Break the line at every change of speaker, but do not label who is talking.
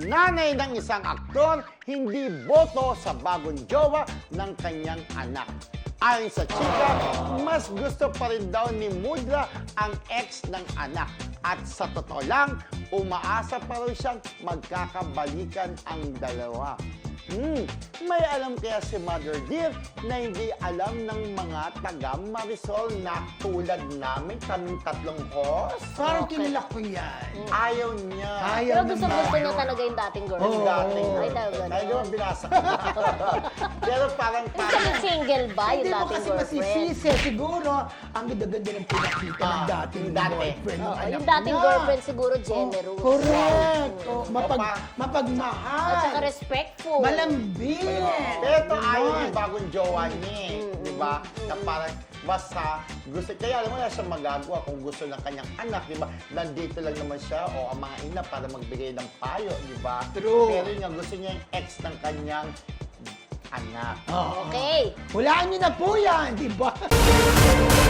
nanay ng isang aktor hindi boto sa bagong jowa ng kanyang anak. Ayon sa chika, mas gusto pa rin daw ni Mudra ang ex ng anak. At sa totoo lang, umaasa pa rin siyang magkakabalikan ang dalawa. May alam kaya si Mother Dear na hindi alam ng mga taga Marisol na tulad namin, kaming tatlong host?
Parang kinilak ko yan.
Ayaw niya.
Ayaw
Pero gusto niya talaga yung dating girlfriend.
Yung dating
Ay, talaga.
Ay, di ba binasa ko? Pero parang
Kasi single ba yung
Hindi mo
dating
kasi
girlfriend?
masisisi. Siguro, ang ganda-ganda ng pinakita ng dating
yung dati.
boyfriend. ng
Oo,
anak
yung dating
niya.
girlfriend siguro generous.
Correct. Oh,
Opa.
mapagmahal.
At saka respectful.
Malambing.
Pero ito ayaw
Ganon.
yung bagong jowa niya eh. Di ba? Na parang basta gusto, kaya alam mo na siya magagawa kung gusto ng kanyang anak, di ba? Nandito lang naman siya o ang mga ina para magbigay ng payo, di ba?
True.
Pero yun nga, gusto niya yung ex ng kanyang anak.
Oo.
Okay.
Hulaan niyo na po yan, di ba?